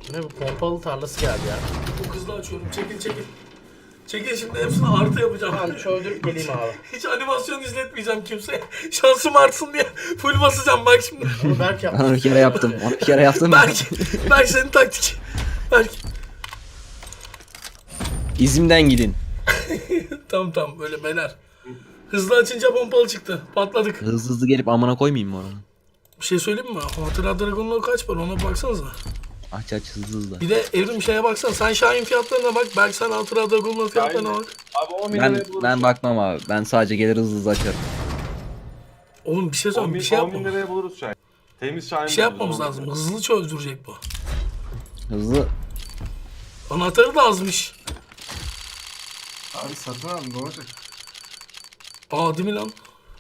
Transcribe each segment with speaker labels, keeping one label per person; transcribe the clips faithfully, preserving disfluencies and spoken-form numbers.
Speaker 1: Ne bu pompalı tarlası geldi ya.
Speaker 2: Çok hızlı açıyorum. Çekil çekil. Çekil şimdi hepsini artı yapacağım.
Speaker 1: Tamam çöldürüp geleyim abi.
Speaker 2: Hiç animasyon izletmeyeceğim kimseye. Şansım artsın diye full basacağım bak şimdi.
Speaker 1: Onu Berk yaptı.
Speaker 3: Onu bir kere yaptım. Onu bir kere yaptım.
Speaker 2: Berk, Berk senin taktik. Berk.
Speaker 3: İzimden gidin.
Speaker 2: Tamam tamam böyle beyler. Hızlı açınca pompalı çıktı. Patladık.
Speaker 3: Hızlı hızlı gelip amına koymayayım mı oranı?
Speaker 2: Bir şey söyleyeyim mi? Hatıra Dragon'la kaç var ona baksanıza.
Speaker 3: Aç aç hızlı hızlı.
Speaker 2: Bir de Evrim şeye baksana. Sen Şahin fiyatlarına bak. Belki sen Hatıra Dragon'la fiyatlarına bak.
Speaker 4: Abi on bin
Speaker 3: Ben
Speaker 4: liraya buluruz.
Speaker 3: ben bakmam abi. Ben sadece gelir hızlı hızlı açarım.
Speaker 2: Oğlum bir şey
Speaker 4: on
Speaker 2: söyleyeyim.
Speaker 4: bin,
Speaker 2: Bir şey
Speaker 4: on bin
Speaker 2: yapmam.
Speaker 4: liraya buluruz Şahin. Temiz Şahin
Speaker 2: Bir şey
Speaker 4: buluruz,
Speaker 2: yapmamız
Speaker 4: on bin
Speaker 2: lazım.
Speaker 4: liraya.
Speaker 2: Hızlı çözdürecek bu.
Speaker 3: Hızlı.
Speaker 2: Anahtarı da azmış.
Speaker 5: Abi satın al ne olacak?
Speaker 2: Aa değil mi lan?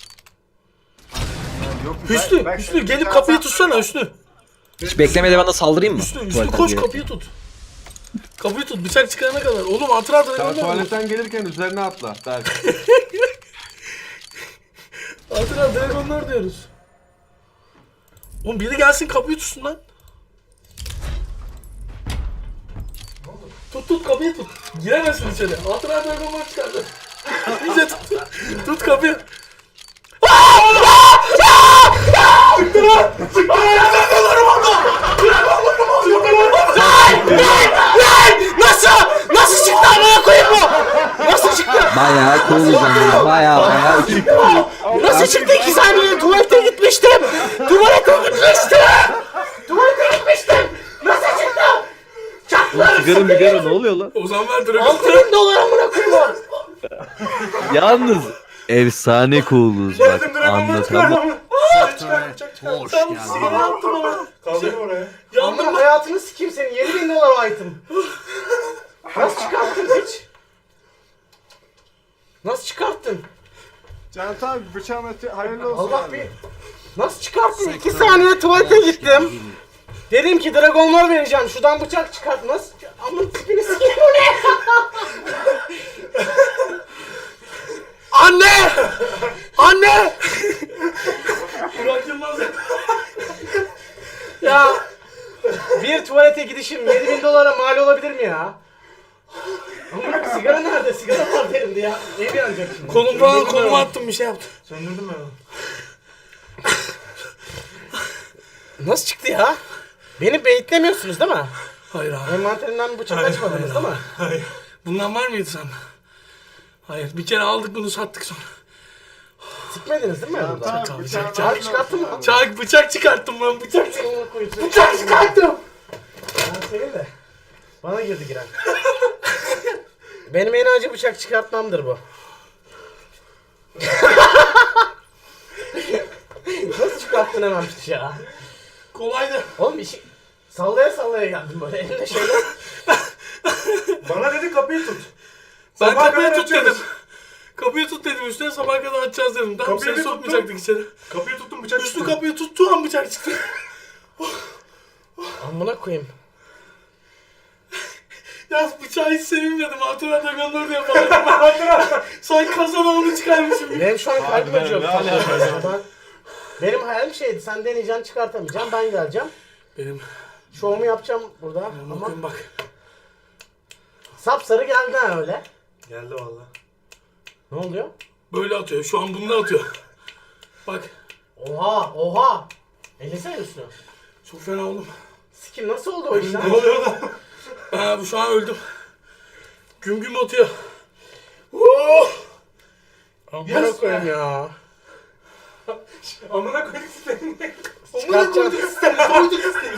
Speaker 5: Yani yok,
Speaker 2: Hüsnü,
Speaker 5: ben-
Speaker 2: Hüsnü
Speaker 5: ben-
Speaker 2: gelip
Speaker 5: ben-
Speaker 2: kapıyı
Speaker 5: ben-
Speaker 2: tutsana Hüsnü.
Speaker 3: Hiç beklemeden ben de saldırayım mı?
Speaker 2: Hüsnü, Hüsnü
Speaker 3: Tuvaletten
Speaker 2: koş
Speaker 3: girerek.
Speaker 2: kapıyı tut. Kapıyı tut bıçak çıkarana kadar. Oğlum Hatıra
Speaker 4: Sen
Speaker 2: Dragon'la
Speaker 4: tuvaletten gelirken üzerine atla. Der.
Speaker 2: Hatıra Dragon'lar diyoruz. Oğlum biri gelsin kapıyı tutsun lan. Tut tut kapıyı tut. Giremezsin içeri. Hatıra Dragon'lar çıkardı. İyice tut. Tut kapıyı. Çıktı lan! Çıktı lan! Dragon'larım oldu! Dragon'larım oldu! Lan! Lan! Nasıl? Nasıl çıktı amına koyayım bu? Nasıl çıktı?
Speaker 3: Bayağı cool ya. Bayağı bayağı.
Speaker 2: Nasıl çıktı iki saniye? Tuvalete gitmiştim. Tuvalete gitmiştim. Tuvalete gitmiştim. Nasıl çıktı? Çaklar.
Speaker 6: Sigara migara ne oluyor lan?
Speaker 2: O zaman ver Dragon. altı bin dolar amına koyayım.
Speaker 6: Yalnız efsane cool'uz bak anlatamam.
Speaker 5: Hoş
Speaker 2: Sen
Speaker 5: geldin.
Speaker 2: sigara yaptın ama.
Speaker 5: Kaldır oraya.
Speaker 2: Yandım
Speaker 1: Amına
Speaker 2: ben.
Speaker 1: hayatını sikeyim senin. yedi bin dolar o item. Nasıl çıkarttın hiç? Nasıl çıkarttın?
Speaker 5: Can abi bıçağın öte hayırlı olsun
Speaker 1: Allah
Speaker 5: abi.
Speaker 1: bir... Nasıl çıkarttın? iki saniye tuvalete gittim. Dedim ki dragonlar vereceğim. Şuradan bıçak çıkart. Nasıl? Amın tipini sikeyim bu ne?
Speaker 2: Anne! Anne! Burak Yılmaz.
Speaker 1: Ya bir tuvalete gidişim yedi bin dolara mal olabilir mi ya? Ama sigara nerede? Sigara var elimde ya. Ev yanacak şimdi.
Speaker 2: Kolum falan koluma attım bir şey yaptım.
Speaker 5: Söndürdüm ben onu.
Speaker 1: Nasıl çıktı ya? Beni beyitlemiyorsunuz değil mi?
Speaker 2: Hayır abi.
Speaker 1: Envanterinden bıçak açmadınız değil mi?
Speaker 2: Hayır. Bundan var mıydı sende? Hayır. Bir kere aldık bunu sattık sonra.
Speaker 1: Sikmediniz değil mi? burada?
Speaker 5: Tamam
Speaker 2: Çak,
Speaker 5: bıçağın
Speaker 2: çak, çak.
Speaker 1: Abi çıkarttın mı?
Speaker 2: Çak bıçak çıkarttım lan bıçak çık.
Speaker 1: Bıçak çıkarttım. Ben senin de. Bana girdi giren. Benim en acı bıçak çıkartmamdır bu. Nasıl çıkarttın hemen bıçağı?
Speaker 2: Kolaydı.
Speaker 1: Oğlum işi... Sallaya sallaya geldim böyle elimde şeyler.
Speaker 5: Bana dedi kapıyı tut.
Speaker 2: Ben
Speaker 5: Sabaha
Speaker 2: kapıyı
Speaker 5: kadar
Speaker 2: tut
Speaker 5: açıyoruz.
Speaker 2: dedim. Kapıyı tut dedim üstüne sabaha kadar açacağız dedim. Tamam
Speaker 5: Kapıyı
Speaker 2: seni
Speaker 5: bir
Speaker 2: sokmayacaktık içeri.
Speaker 5: Kapıyı tuttum bıçak
Speaker 2: Üstü
Speaker 5: çıktı.
Speaker 2: kapıyı tuttuğu an bıçak çıktı.
Speaker 1: Amına koyayım.
Speaker 2: Ya bıçağı hiç sevinmedim. Hatıra Dragon'ları diye falan. Sanki kasada onu çıkarmışım gibi.
Speaker 1: Benim şu an kalbim
Speaker 4: Harbiden
Speaker 1: acıyor.
Speaker 4: ne
Speaker 1: Tam
Speaker 4: yapıyorsun
Speaker 1: yapmadan. Benim hayalim şeydi. Sen deneyeceksin çıkartamayacaksın. Ben geleceğim.
Speaker 2: Benim.
Speaker 1: Şovumu yapacağım burada. Ama
Speaker 2: Bakın bak.
Speaker 1: sapsarı geldi ha öyle.
Speaker 5: Geldi valla.
Speaker 1: Ne oluyor?
Speaker 2: Böyle atıyor. Şu an bunu atıyor. Bak.
Speaker 1: Oha oha. Ellesene üstüne.
Speaker 2: Çok fena oldum.
Speaker 1: Sikim nasıl oldu o iş lan?
Speaker 2: Ne oluyor lan? Ha bu şu an öldüm. Güm güm atıyor. Oh!
Speaker 1: Amına
Speaker 2: Yes.
Speaker 1: koyayım ya.
Speaker 5: Amına koyduk sistemini.
Speaker 2: Amına koyduk sistemi. Koyduk sistemi.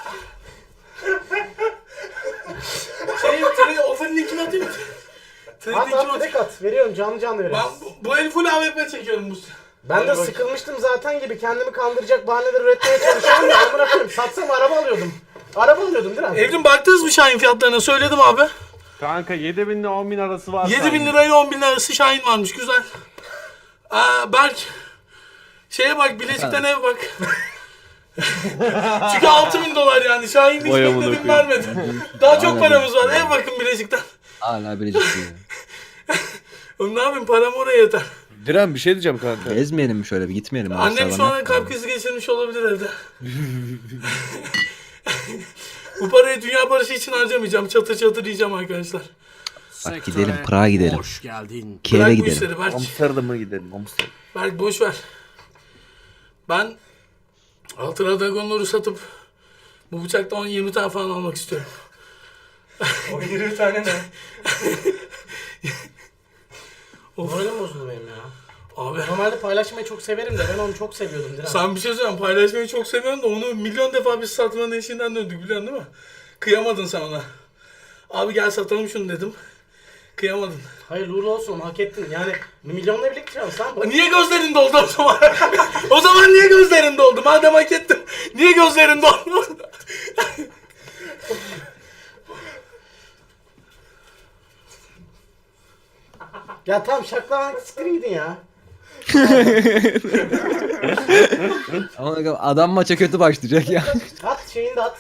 Speaker 2: Şey, treni, ofanın linkini atayım mı? Trenin
Speaker 1: At
Speaker 2: linkini
Speaker 1: at
Speaker 2: atayım.
Speaker 1: direkt at. Veriyorum canlı canlı
Speaker 2: Ben
Speaker 1: veriyorum.
Speaker 2: bu, bu el full A W P çekiyorum bu.
Speaker 1: Ben de
Speaker 2: Hadi bak.
Speaker 1: sıkılmıştım zaten gibi kendimi kandıracak bahaneler üretmeye çalışıyorum ya. Amına koyayım. Satsam araba alıyordum. Araba alıyordum değil mi?
Speaker 2: Evrim baktınız mı Şahin fiyatlarına? Söyledim abi.
Speaker 4: Kanka yedi bin ile on bin arası var.
Speaker 2: yedi bin lirayla on bin lira arası Şahin varmış. Güzel. Aa, Berk. Şeye bak Bilecik'ten ev bak. Çünkü altı bin dolar yani. Şahin hiç
Speaker 6: Vay amına
Speaker 2: bekledim
Speaker 6: koyayım.
Speaker 2: vermedi. Daha çok
Speaker 3: Aynen.
Speaker 2: paramız var. Ev bakın Bilecik'ten.
Speaker 3: Hala biricik diyor.
Speaker 2: Oğlum ne yapayım param oraya yeter.
Speaker 6: Diren bir şey diyeceğim kanka.
Speaker 3: Gezmeyelim mi şöyle bir gitmeyelim mi?
Speaker 2: Annem
Speaker 3: Aşağıdan
Speaker 2: şu an
Speaker 3: hep
Speaker 2: kalp
Speaker 3: beraber.
Speaker 2: krizi geçirmiş olabilir evde. Bu parayı dünya barışı için harcamayacağım. Çatır çatır yiyeceğim arkadaşlar.
Speaker 3: Bak gidelim Prag'a gidelim.
Speaker 7: Hoş geldin.
Speaker 3: Kiev'e
Speaker 2: Bırak bu
Speaker 3: gidelim.
Speaker 2: işleri Berk.
Speaker 6: Amsterdam'a gidelim Amsterdam.
Speaker 2: Berk boş ver. Ben Altına Dragon'ları satıp bu bıçakta on yirmi tane falan almak istiyorum.
Speaker 1: O yirmi tane ne?
Speaker 2: Of.
Speaker 1: Moralim bozuldu benim ya.
Speaker 2: Abi
Speaker 1: Normalde paylaşmayı çok severim de ben onu çok seviyordum Diren.
Speaker 2: sen bir şey söyleyeyim, paylaşmayı çok seviyorum da onu milyon defa biz satmanın eşiğinden döndük, biliyorsun değil mi? Kıyamadın sen ona. Abi gel satalım şunu dedim. Kıyamadın.
Speaker 1: Hayırlı uğurlu olsun, hak ettin. Yani milyonla biriktiriyorsun sen. Bu.
Speaker 2: Niye gözlerin doldu o zaman? O zaman niye gözlerin doldu? Madem hak ettim. Niye gözlerin doldu?
Speaker 1: Ya tamam şaklamak siktirin gidin ya.
Speaker 3: Ama adam maça kötü başlayacak ya.
Speaker 1: At şeyini de at.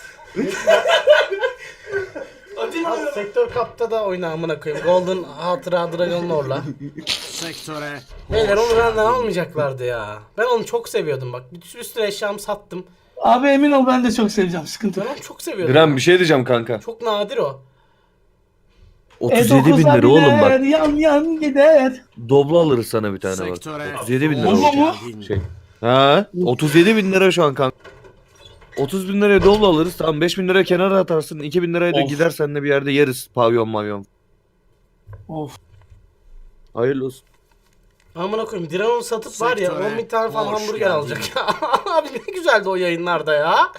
Speaker 2: Hadi mi?
Speaker 1: At Sektör Cup'ta da oyna amına koyayım. Golden Hatıra Dragon Lord'la.
Speaker 7: Sektöre
Speaker 1: Beyler onu benden almayacaklardı ya. Ben onu çok seviyordum bak. Bir sürü sürü eşyamı sattım.
Speaker 2: Abi emin ol ben de çok seveceğim, sıkıntı
Speaker 1: Ben
Speaker 2: yok.
Speaker 1: onu çok seviyordum.
Speaker 6: Diren bir şey diyeceğim kanka.
Speaker 1: Çok nadir o.
Speaker 6: otuz yedi bin lira oğlum bak.
Speaker 2: Yan yan gider.
Speaker 6: Doblo alırız sana bir tane bak.
Speaker 7: sektöre
Speaker 6: otuz yedi bin lira.
Speaker 2: Doblo
Speaker 6: olacak.
Speaker 2: mu?
Speaker 7: geldin.
Speaker 6: Şey. Ha? otuz yedi bin lira şu an kanka. otuz bin liraya doblo alırız. Tamam beş bin liraya kenara atarsın. iki bin liraya da
Speaker 2: Of.
Speaker 6: gider seninle bir yerde yeriz. Pavyon mavyon.
Speaker 2: Of.
Speaker 6: Hayırlı olsun.
Speaker 1: Amına koyayım Diren onu satıp var ya
Speaker 7: Sektöre
Speaker 1: on bin tane falan
Speaker 7: hoş
Speaker 1: hamburger
Speaker 7: geldin.
Speaker 1: alacak ya. Abi ne güzeldi o yayınlarda ya.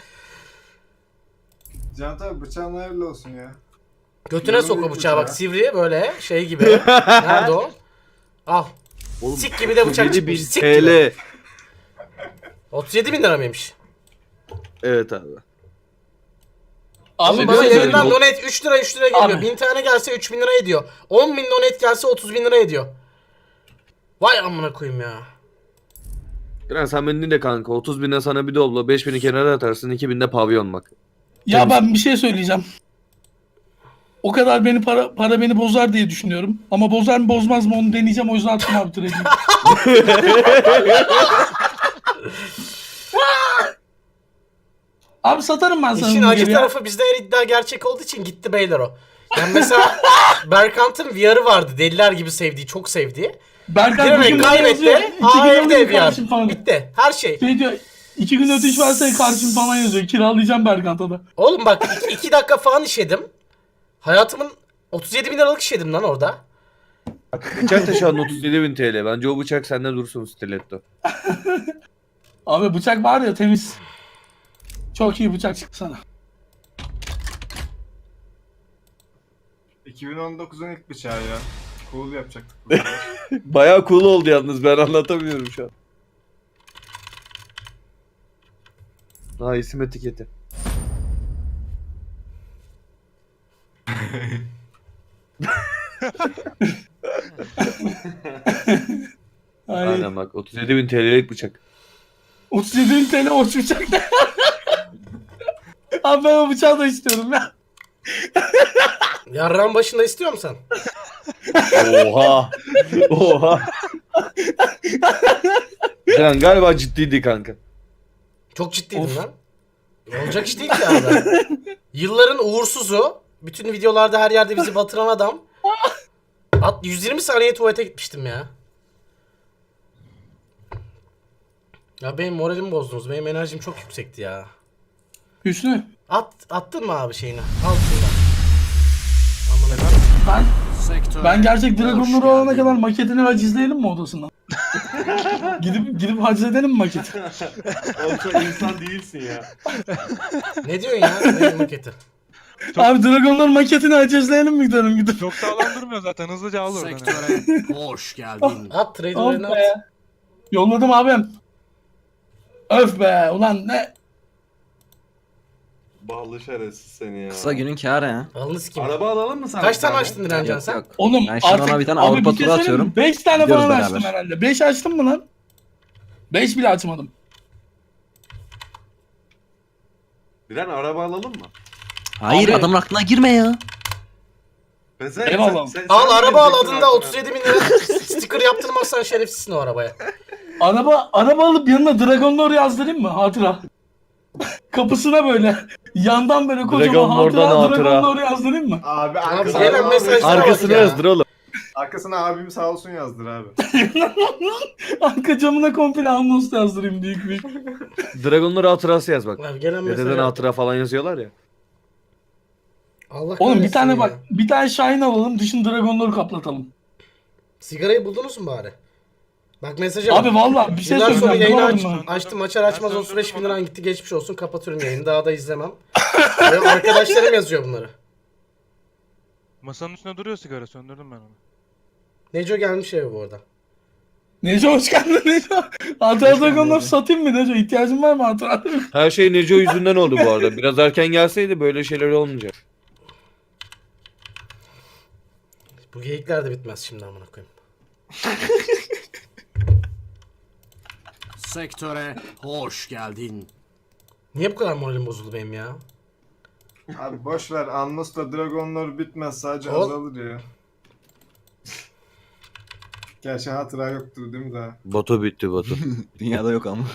Speaker 5: Can abi bıçağın hayırlı olsun ya.
Speaker 1: Götüne
Speaker 5: Yarım
Speaker 1: sok o
Speaker 5: büyük
Speaker 1: bıçağı bak
Speaker 5: bıçağı.
Speaker 1: sivri böyle şey gibi. Nerede o? Al.
Speaker 6: Oğlum,
Speaker 1: Sik gibi de bıçak
Speaker 6: otuz yedi bin
Speaker 1: çıkmış. Sik gibi.
Speaker 6: T L.
Speaker 1: otuz yedi bin lira mıymış?
Speaker 6: Evet abi.
Speaker 2: Abi
Speaker 1: Oğlum
Speaker 6: bana
Speaker 1: bana
Speaker 6: söyle,
Speaker 1: yayından
Speaker 6: o-
Speaker 1: donate üç lira üç lira geliyor.
Speaker 2: Abi.
Speaker 1: bin tane gelse üç bin lira ediyor. on bin donate gelse otuz bin lira ediyor. Vay amına koyayım ya.
Speaker 6: Diren sen beni dinle kanka. otuz bine sana bir doblo. beş bini kenara atarsın. iki bin de pavyon bak.
Speaker 2: Ya ben bir şey söyleyeceğim. O kadar beni para para beni bozar diye düşünüyorum. Ama bozar mı bozmaz mı onu deneyeceğim, o yüzden attım abi trade'i. Abi satarım ben sana
Speaker 1: İşin
Speaker 2: bunu
Speaker 1: acı
Speaker 2: geri ya.
Speaker 1: tarafı bizde her iddia gerçek olduğu için gitti beyler o. Yani mesela Berkant'ın V R'ı vardı. Deliler gibi sevdiği, çok sevdiği.
Speaker 2: Berkay
Speaker 1: Giremek
Speaker 2: bugün bana yazıyor.
Speaker 1: kaybetti.
Speaker 2: İki
Speaker 1: Aa
Speaker 2: gün
Speaker 1: evde
Speaker 2: ödeyeyim
Speaker 1: V R.
Speaker 2: kardeşim falan.
Speaker 1: Bitti. Her şey.
Speaker 2: Şey diyor. İki gün ödeyiş varsa karşım falan yazıyor. Kiralayacağım Berkant'a da.
Speaker 1: Oğlum bak iki, iki dakika falan işedim. Hayatımın otuz yedi bin liralık işedim lan orada.
Speaker 6: Bıçak da şu an otuz yedi bin T L. Bence o bıçak sende dursun stiletto.
Speaker 2: Abi bıçak var ya temiz. Çok iyi bıçak çıktı sana.
Speaker 5: iki bin on dokuzun ilk bıçağı ya. Cool yapacaktık.
Speaker 6: Bayağı cool oldu yalnız, ben anlatamıyorum şu an. Ha, isim etiketi.
Speaker 2: Ay,
Speaker 6: Aynen bak, otuz yedi bin T L'lik bıçak.
Speaker 2: otuz yedi bin T L hoş bıçak da. Abi ben o bıçağı da istiyorum ya.
Speaker 1: Yarrağın başında istiyor musun sen?
Speaker 6: Oha. Oha. Sen galiba ciddiydi kanka.
Speaker 1: Çok ciddiydim lan. Olacak iş değil ki abi. Yılların uğursuzu. Bütün videolarda her yerde bizi batıran adam. At, yüz yirmi saniye tuvalete gitmiştim ya. Ya benim moralimi bozdunuz. Benim enerjim çok yüksekti ya.
Speaker 2: Hüsnü.
Speaker 1: At, attın mı abi şeyini? Al şunu. Amına
Speaker 2: Ben,
Speaker 7: Sektöre
Speaker 2: ben gerçek
Speaker 7: hoş
Speaker 2: Dragon'ları alana
Speaker 7: geldin.
Speaker 2: kadar maketini hacizleyelim mi odasından? gidip gidip hacizedelim mi maketi?
Speaker 4: Oğlum sen insan değilsin ya.
Speaker 1: ne diyorsun ya? Ne maketi?
Speaker 2: Abi Dragon'ların maketini hacizleyelim mi gidelim gidip?
Speaker 8: Çok sağlam durmuyor zaten. Hızlıca al oradan.
Speaker 7: Sektöre hoş geldin.
Speaker 1: At trade
Speaker 2: Of
Speaker 1: oyunu at.
Speaker 2: be. Yolladım abim. Öf be ulan ne?
Speaker 4: Ballı şerefsiz seni ya.
Speaker 3: Kısa günün kârı ya.
Speaker 1: Alınız kim?
Speaker 4: Araba alalım mı sana?
Speaker 1: Kaç
Speaker 4: bir
Speaker 1: tane açtın Direncan
Speaker 3: Yok
Speaker 1: sen?
Speaker 3: yok.
Speaker 2: Oğlum
Speaker 3: Ben şimdi
Speaker 2: artık
Speaker 3: ona bir tane
Speaker 2: abi
Speaker 3: Avrupa
Speaker 2: bir şey
Speaker 3: turu
Speaker 2: söyleyeyim mi?
Speaker 3: atıyorum.
Speaker 2: beş tane
Speaker 3: Gidiyoruz
Speaker 2: falan
Speaker 3: beraber.
Speaker 2: açtım herhalde. beş açtım mı lan? beş bile açmadım.
Speaker 4: Biren araba alalım mı?
Speaker 3: Hayır
Speaker 2: Abi-
Speaker 3: adamın aklına girme ya.
Speaker 4: Ben sen,
Speaker 2: Eyvallah.
Speaker 4: sen- sen-
Speaker 1: Al
Speaker 4: sen
Speaker 1: araba al
Speaker 4: verecektin
Speaker 1: adında
Speaker 4: aklına.
Speaker 1: otuz yedi bin lira sticker yaptırmazsan şerefsizsin o arabaya.
Speaker 2: Araba araba alıp yanına Dragon Lore yazdırayım mı? Hatıra. kapısına böyle yandan böyle kocaman
Speaker 6: Dragonlore'dan
Speaker 2: hatıra,
Speaker 6: hatıra.
Speaker 2: Dragonlore yazdırayım mı?
Speaker 5: Abi
Speaker 1: Abi
Speaker 5: arkasına,
Speaker 1: gelen mesajlara bak
Speaker 6: Arkasına
Speaker 1: ya.
Speaker 6: yazdır oğlum.
Speaker 5: arkasına abim sağ olsun yazdır abi.
Speaker 2: Arka camına komple anons yazdırayım büyük büyük.
Speaker 6: Dragonlar hatırası yaz bak.
Speaker 1: Abi gelen
Speaker 6: Dededen
Speaker 1: mesajlara
Speaker 6: hatıra falan yazıyorlar ya.
Speaker 1: Allah
Speaker 2: Oğlum bir
Speaker 1: kahretsin
Speaker 2: tane
Speaker 1: ya.
Speaker 2: bak bir tane Şahin alalım dışını Dragonlore kaplatalım.
Speaker 1: Sigarayı buldunuz mu bari? Bak mesaja bak.
Speaker 2: Abi vallahi bir şey
Speaker 1: Yıllar sonra
Speaker 2: söyleyeceğim.
Speaker 1: yayını
Speaker 2: bulamadım
Speaker 1: aç,
Speaker 2: ben.
Speaker 1: açtım açar açmaz otuz beş bin liran gitti geçmiş olsun kapatıyorum yayını daha da izlemem. Ve arkadaşlarım yazıyor bunları.
Speaker 8: Masanın üstünde duruyor sigara, söndürdüm ben onu.
Speaker 1: Neco gelmiş eve bu arada.
Speaker 2: Neco hoş geldin Neco. Hatıra Dragonlore satayım mı Neco? İhtiyacın var mı hatıra?
Speaker 6: Her şey Neco yüzünden oldu bu arada. Biraz erken gelseydi böyle şeyler olmayacak.
Speaker 1: Bu geyikler de bitmez şimdi amına koyayım.
Speaker 7: Sektöre hoş geldin.
Speaker 1: Niye bu kadar moralim bozuldu benim ya?
Speaker 5: Abi boş ver. Annos'ta Dragonlar bitmez. Sadece
Speaker 1: Ol-
Speaker 5: azalır ya. Gerçi hatıra yoktur değil mi daha?
Speaker 6: Batu bitti Batu.
Speaker 3: Dünyada yok ama.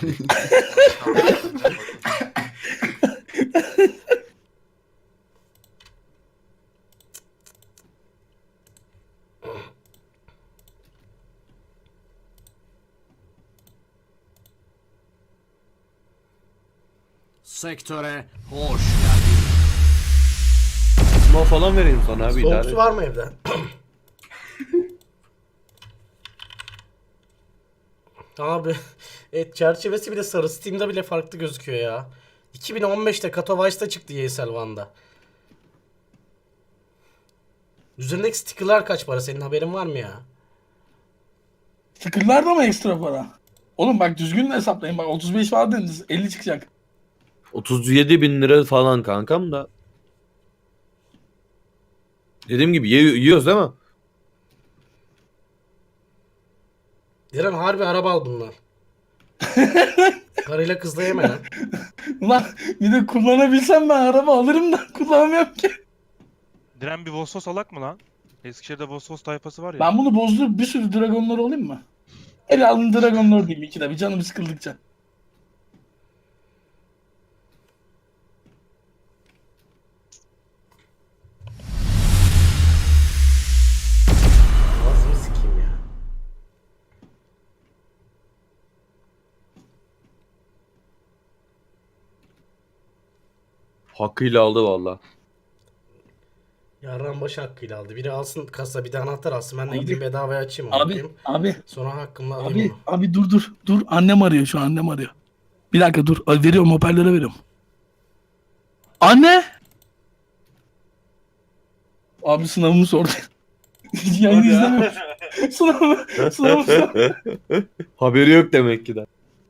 Speaker 7: Sektöre hoş geldin.
Speaker 6: Smoke falan vereyim sana abi
Speaker 1: Soğuk
Speaker 6: idare.
Speaker 1: su var mı evde? Abi evet, çerçevesi bile sarı. Steam'de bile farklı gözüküyor ya. iki bin on beşte Katowice'da çıktı Y S L One'da. Üzerindeki stickerlar kaç para? Senin haberin var mı ya?
Speaker 2: Tıkırlar da mı ekstra para? Oğlum bak düzgün hesaplayın bak otuz beş var dediniz elli çıkacak.
Speaker 6: otuz yedi bin lira falan kankam da. Dediğim gibi ye- yiyoruz değil mi?
Speaker 1: Diren harbi araba al bunlar. Karıyla kızla yeme lan.
Speaker 2: Ulan bir de kullanabilsem ben araba alırım da kullanamıyorum ki.
Speaker 8: Diren bir Vosvos alak mı lan? Eskişehir'de Vosvos tayfası var ya.
Speaker 2: Ben bunu bozdurup bir sürü Dragonlore olayım mı? El alın Dragonlore diyeyim ikide bir canım sıkıldıkça.
Speaker 1: Ağzını sikeyim ya.
Speaker 6: Hakkıyla aldı valla.
Speaker 1: Yarran başı hakkıyla aldı. Biri alsın kasa bir de anahtar alsın. Ben de
Speaker 2: Abi-
Speaker 1: gideyim bedavaya açayım.
Speaker 2: Abi
Speaker 1: bakayım.
Speaker 2: abi
Speaker 1: Sonra hakkımla alayım
Speaker 2: abi
Speaker 1: onu.
Speaker 2: abi dur dur dur annem arıyor şu an annem arıyor. Bir dakika dur Ay, veriyorum hoparlöre veriyorum. Anne! Abi sınavımı sordu. Yayını izlemiyorum. Sınavımı, sınavımı sor-
Speaker 6: Haberi yok demek ki de.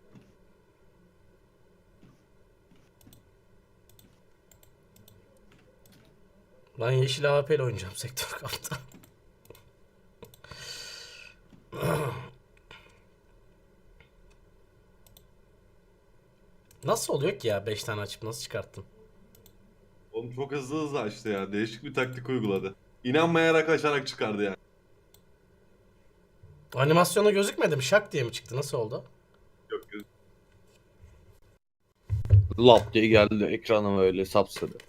Speaker 1: Ben yeşil A W P ile oynayacağım sektör kapta. Nasıl oluyor ki ya beş tane açıp nasıl çıkarttın?
Speaker 4: Oğlum çok hızlı hızlı açtı ya. Değişik bir taktik uyguladı. İnanmayarak açarak çıkardı yani.
Speaker 1: Animasyona gözükmedi mi? Şak diye mi çıktı? Nasıl oldu?
Speaker 4: Yok yok.
Speaker 6: Lap diye geldi ekranıma öyle sapsarı.